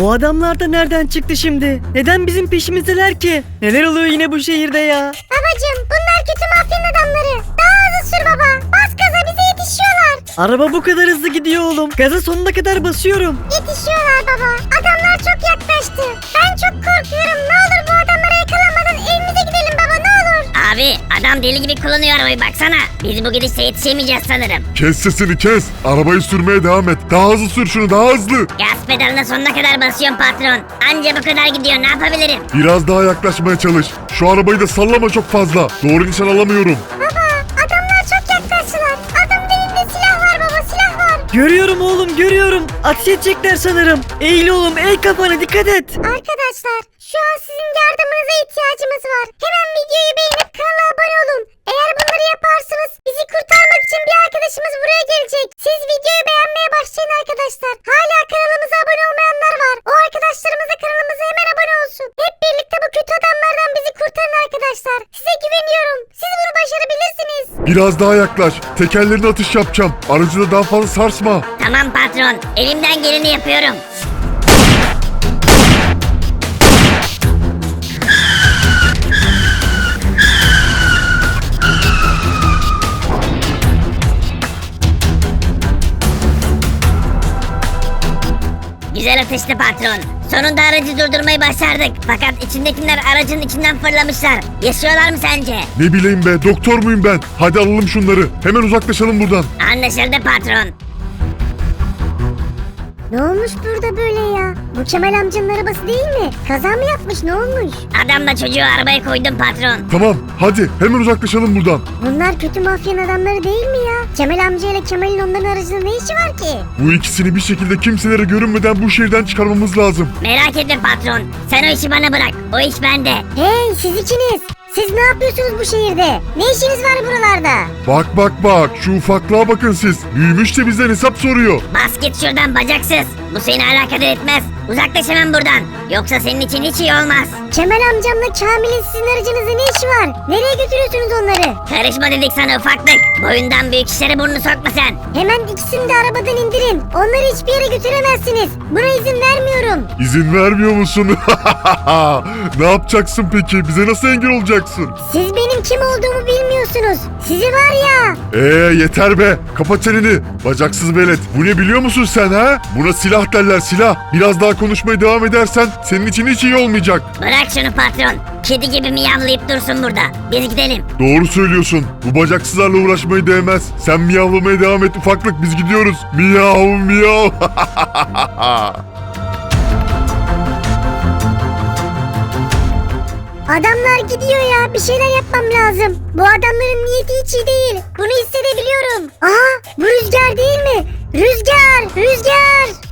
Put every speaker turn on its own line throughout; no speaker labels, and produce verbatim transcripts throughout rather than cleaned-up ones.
Bu adamlar da nereden çıktı şimdi? Neden bizim peşimizdeler ki? Neler oluyor yine bu şehirde ya?
Babacım bunlar kötü mafyanın adamları. Daha hızlı sür baba. Bas gaza bize yetişiyorlar.
Araba bu kadar hızlı gidiyor oğlum. Gaza sonuna kadar basıyorum.
Yetişiyorlar baba. Adamlar çok yaklaştı. Ben çok korkuyorum. Ne olur bu adamlara yakalanmadan evimize gidelim baba ne olur.
Abi adam deli gibi kullanıyor arabayı baksana. Biz bu gidişle yetişemeyeceğiz sanırım.
Kes sesini kes. Arabayı sürmeye devam et. Daha hızlı sür şunu, daha hızlı.
Gaz pedalına sonuna kadar basıyorum patron. Anca bu kadar gidiyor, ne yapabilirim?
Biraz daha yaklaşmaya çalış. Şu arabayı da sallama çok fazla. Doğru nişan alamıyorum.
Baba adamlar çok yaklaştılar. Adamın elinde silah var baba silah var.
Görüyorum oğlum görüyorum. Ateş edecekler sanırım. Eğil oğlum eğ kafana dikkat et.
Arkadaşlar şu an sizin yardımınıza ihtiyacımız var. Hemen videoyu beğenip kanala abone olun. Eğer bunları yaparsanız bizi kurtarmak için bir arkadaşımız buraya gelecek. Siz videoyu beğenmeye başlayın arkadaşlar. Hala kanalımıza abone olmayanlar var. O arkadaşlarımız da kanalımıza hemen abone olsun. Hep birlikte bu kötü adamlardan bizi kurtarın arkadaşlar. Size güveniyorum. Siz bunu başarabilirsiniz.
Biraz daha yaklaş. Tekerlerine atış yapacağım. Aracı da daha fazla sarsma.
Tamam patron, elimden geleni yapıyorum. Güzel atıştı patron. Sonunda aracı durdurmayı başardık. Fakat içindekiler aracın içinden fırlamışlar. Yaşıyorlar mı sence?
Ne bileyim be, doktor muyum ben? Hadi alalım şunları. Hemen uzaklaşalım buradan.
Anlaşıldı patron.
Ne olmuş burada böyle ya? Bu Kemal amcanın arabası değil mi? Kaza mı yapmış ne olmuş?
Adamla çocuğu arabaya koydum patron.
Tamam, hadi hemen uzaklaşalım buradan.
Bunlar kötü mafyanın adamları değil mi ya? Kemal amca ile Kemal'in onların arasında ne işi var ki?
Bu ikisini bir şekilde kimselere görünmeden bu şehirden çıkarmamız lazım.
Merak etme patron. Sen o işi bana bırak. O iş bende.
Hey siz ikiniz! Siz ne yapıyorsunuz bu şehirde? Ne işiniz var buralarda?
Bak bak bak, şu ufaklığa bakın siz. Büyümüş de bizden hesap soruyor.
Bas git şuradan bacaksız. Bu seni alakadar etmez. Uzaklaş hemen buradan. Yoksa senin için hiç iyi olmaz.
Kemal amcamla Kamil'in sizin aracınızda ne işi var? Nereye götürüyorsunuz onları?
Karışma dedik sana ufaklık. Boyundan büyük işlere burnunu sokma sen.
Hemen ikisini de arabadan indirin. Onları hiçbir yere götüremezsiniz. Buna izin vermiyorum.
İzin vermiyor musun? Ne yapacaksın peki? Bize nasıl engel olacaksın?
Siz benim kim olduğumu bilmiyorsunuz. Sizi var ya.
Eee yeter be. Kapat çeneni. Bacaksız velet. Bu ne biliyor musun sen ha? Buna silah derler, silah. Biraz daha konuşmaya devam edersen senin için hiç iyi olmayacak.
Bırak şunu patron. Kedi gibi miyavlayıp dursun burada. Biz gidelim.
Doğru söylüyorsun. Bu bacaksızlarla uğraşmayı değmez. Sen miyavlamaya devam et ufaklık. Biz gidiyoruz. Miyav miyav.
Adamlar gidiyor ya. Bir şeyler yapmam lazım. Bu adamların niyeti hiç iyi değil. Bunu hissedebiliyorum. Aha bu Rüzgar değil mi? Rüzgar! Rüzgar!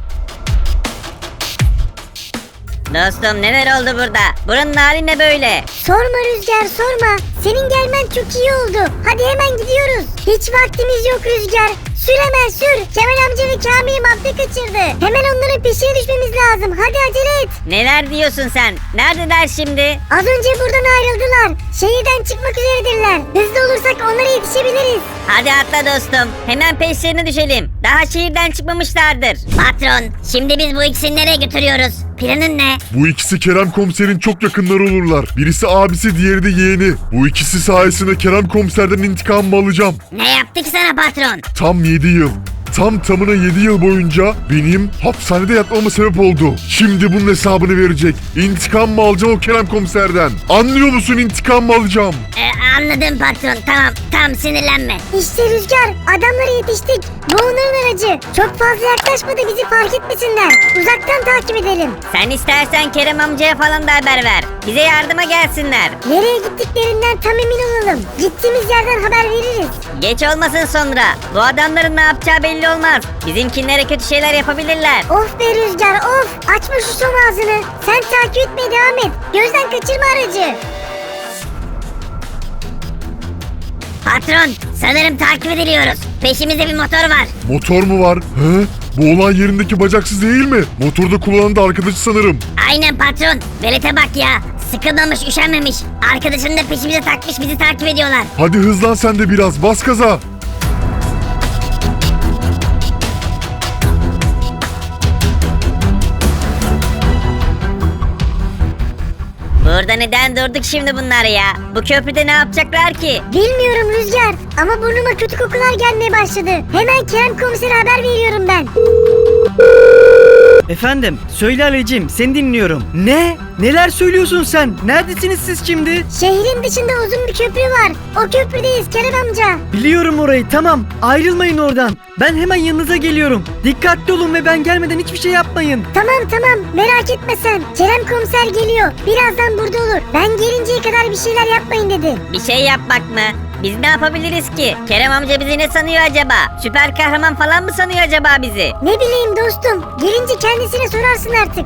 Dostum neler oldu burada? Buranın hali ne böyle?
Sorma Rüzgar sorma. Senin gelmen çok iyi oldu. Hadi hemen gidiyoruz. Hiç vaktimiz yok Rüzgar. Sür hemen sür. Kemal amca ve Kamil'i mafya kaçırdı. Hemen onların peşine düşmemiz lazım. Hadi acele et.
Neler diyorsun sen? Neredeler şimdi?
Az önce buradan ayrıldılar. Şehirden çıkmak üzeredirler. Hızlı olursak onlara yetişebiliriz.
Hadi atla dostum. Hemen peşlerine düşelim. Daha şehirden çıkmamışlardır. Patron, şimdi biz bu ikisini nereye götürüyoruz? Planın ne?
Bu ikisi Kerem komiserin çok yakınları olurlar. Birisi abisi, diğeri de yeğeni. Bu ikisi sayesinde Kerem komiserden intikamımı alacağım.
Ne yaptık sana patron?
Tam yedi yıl. Tam tamına yedi yıl boyunca benim hapishanede yatmama sebep oldu. Şimdi bunun hesabını verecek. İntikam mı alacağım o Kerem komiserden? Anlıyor musun, intikam mı alacağım?
Ee, anladım patron. Tamam, tam sinirlenme.
İşte Rüzgar. Adamlara yetiştik. Bu onların aracı. Çok fazla yaklaşma da bizi fark etmesinler. Uzaktan takip edelim.
Sen istersen Kerem amcaya falan da haber ver. Bize yardıma gelsinler.
Nereye gittiklerinden tam emin olalım. Gittiğimiz yerden haber veririz.
Geç olmasın sonra. Bu adamların ne yapacağı belli olmaz. Bizimkinlere kötü şeyler yapabilirler.
Of be Rüzgar of. Açma şu son ağzını. Sen takip etmeye devam et. Gözden kaçırma aracı.
Patron, sanırım takip ediliyoruz. Peşimizde bir motor var.
Motor mu var? He? Bu olay yerindeki bacaksız değil mi? Motorda kullanan da arkadaşı sanırım.
Aynen patron. Velete bak ya. Sıkılmamış, üşenmemiş. Arkadaşını da peşimize takmış, bizi takip ediyorlar.
Hadi hızlan sen de biraz, bas gaza.
Burada neden durduk şimdi bunlar ya? Bu köprüde ne yapacaklar ki?
Bilmiyorum Rüzgar ama burnuma kötü kokular gelmeye başladı. Hemen Kerem komisere haber veriyorum ben.
Efendim söyle Ali'cim seni dinliyorum. Ne? Neler söylüyorsun sen? Neredesiniz siz şimdi?
Şehrin dışında uzun bir köprü var. O köprüdeyiz Kerem amca.
Biliyorum orayı, tamam. Ayrılmayın oradan. Ben hemen yanınıza geliyorum. Dikkatli olun ve ben gelmeden hiçbir şey yapmayın.
Tamam tamam merak etme sen. Kerem komiser geliyor. Birazdan burada olur. Ben gelinceye kadar bir şeyler yapmayın dedi.
Bir şey yapmak mı? Biz ne yapabiliriz ki? Kerem amca bizi ne sanıyor acaba? Süper kahraman falan mı sanıyor acaba bizi?
Ne bileyim dostum. Gelince kendisine sorarsın artık.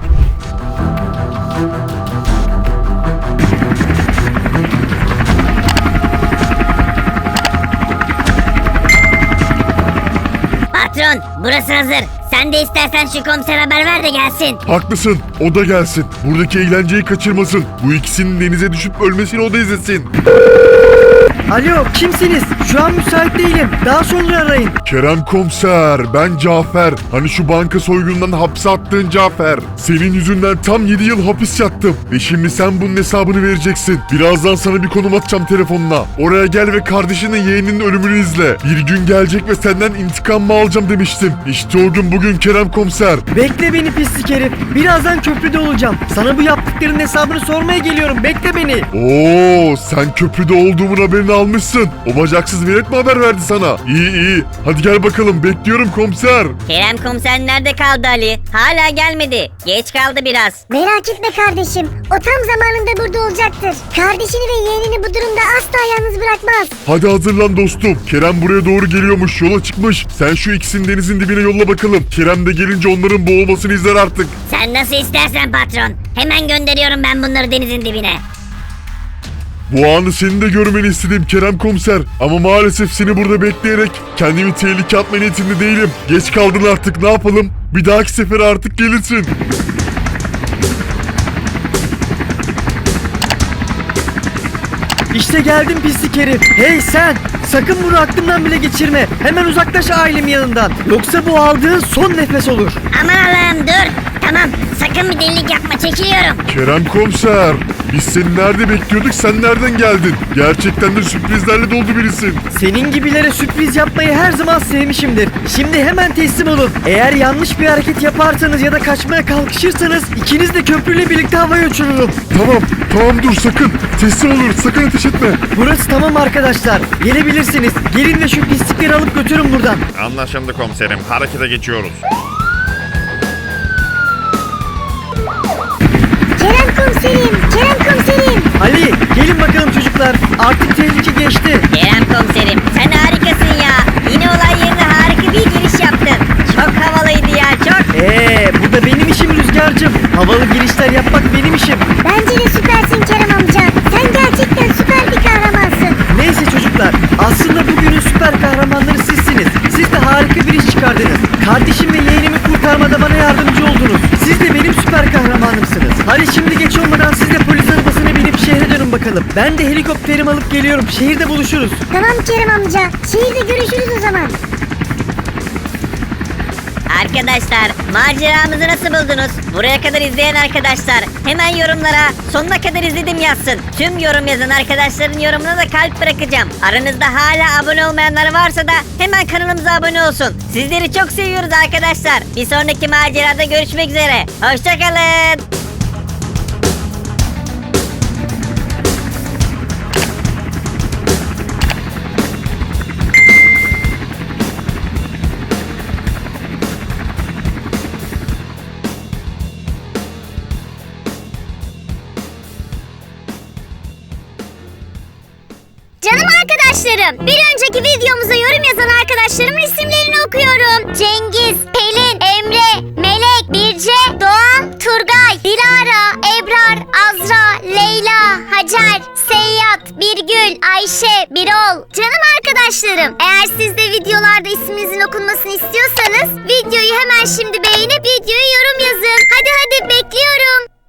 Patron, burası hazır. Sen de istersen şu komiser haber ver de gelsin.
Haklısın, o da gelsin. Buradaki eğlenceyi kaçırmasın. Bu ikisinin denize düşüp ölmesini o da izlesin.
Alo, kimsiniz? Şu an müsait değilim. Daha sonra arayın.
Kerem komiser, ben Cafer. Hani şu banka soygunundan hapse attığın Cafer. Senin yüzünden tam yedi yıl hapis yattım. Ve şimdi sen bunun hesabını vereceksin. Birazdan sana bir konum atacağım telefonuna. Oraya gel ve kardeşinin yeğeninin ölümünü izle. Bir gün gelecek ve senden intikam mı alacağım demiştim. İşte o gün bugün Kerem komiser.
Bekle beni pislik herif. Birazdan köprüde olacağım. Sana bu yaptıklarının hesabını sormaya geliyorum. Bekle beni.
Oo, sen köprüde olduğumun haberini almışsın. O bacaksız velet mi haber verdi sana? İyi iyi. Hadi gel bakalım, bekliyorum komiser.
Kerem komiser nerede kaldı Ali? Hala gelmedi. Geç kaldı biraz.
Merak etme kardeşim. O tam zamanında burada olacaktır. Kardeşini ve yeğenini bu durumda asla yalnız bırakmaz.
Hadi hazırlan dostum. Kerem buraya doğru geliyormuş, yola çıkmış. Sen şu ikisini denizin dibine yolla bakalım. Kerem de gelince onların boğulmasını izler artık.
Sen nasıl istersen patron. Hemen gönderiyorum ben bunları denizin dibine.
Bu anı senin de görmeni istedim Kerem komiser. Ama maalesef seni burada bekleyerek kendimi tehlikeye atma niyetinde değilim. Geç kaldın artık, ne yapalım? Bir dahaki sefere artık gelirsin.
İşte geldim pislik herif. Hey sen! Sakın bunu aklımdan bile geçirme. Hemen uzaklaş ailemin yanından. Yoksa bu aldığın son nefes olur.
Aman Allah'ım dur. Tamam sakın bir delilik yapma çekiliyorum.
Kerem komiser, biz seni nerede bekliyorduk, sen nereden geldin? Gerçekten de sürprizlerle doldu birisin.
Senin gibilere sürpriz yapmayı her zaman sevmişimdir. Şimdi hemen teslim olun. Eğer yanlış bir hareket yaparsanız ya da kaçmaya kalkışırsanız ikiniz de köprüyle birlikte havaya uçururum.
Tamam, tamam dur sakın. Teslim olur, sakın ateş etme.
Burası tamam arkadaşlar. Gelebilirsiniz. Gelin de şu pislikleri alıp götürün buradan.
Anlaşıldı komiserim. Harekete geçiyoruz.
Kerem komiserim, Kerem komiserim.
Ali gelin bakalım çocuklar. Artık tehlike geçti.
Kerem komiserim sen harikasın ya. Yine olay yerine harika bir giriş yaptın. Çok havalıydı ya çok.
Eee bu da benim işim Rüzgar'cığım. Havalı girişler yapmak benim işim.
Bence de süpersin Kerem amca. Sen gerçekten süper bir kahramansın.
Neyse çocuklar, aslında bugünün süper kahramanları sizsiniz. Siz de harika bir iş çıkardınız. Kardeşim ve yeğenimi kurtarmada bana yardımcı oldunuz. Siz de benim süper kahramanımsınız. Hadi şimdi geç olmadan siz de polis arabasına binip şehre dönün bakalım. Ben de helikopterimi alıp geliyorum. Şehirde buluşuruz.
Tamam Kerem amca. Şehirde görüşürüz o zaman.
Arkadaşlar maceramızı nasıl buldunuz? Buraya kadar izleyen arkadaşlar hemen yorumlara sonuna kadar izledim yazsın. Tüm yorum yazan arkadaşların yorumuna da kalp bırakacağım. Aranızda hala abone olmayanlar varsa da hemen kanalımıza abone olsun. Sizleri çok seviyoruz arkadaşlar. Bir sonraki macerada görüşmek üzere. Hoşçakalın.
Canım arkadaşlarım, bir önceki videomuza yorum yazan arkadaşlarımın isimlerini okuyorum. Cengiz, Pelin, Emre, Melek, Birce, Doğan, Turgay, Dilara, Ebrar, Azra, Leyla, Hacer, Seyyat, Birgül, Ayşe, Birol. Canım arkadaşlarım, eğer siz de videolarda isminizin okunmasını istiyorsanız videoyu hemen şimdi beğenip videoya yorum yazın. Hadi hadi bekliyorum.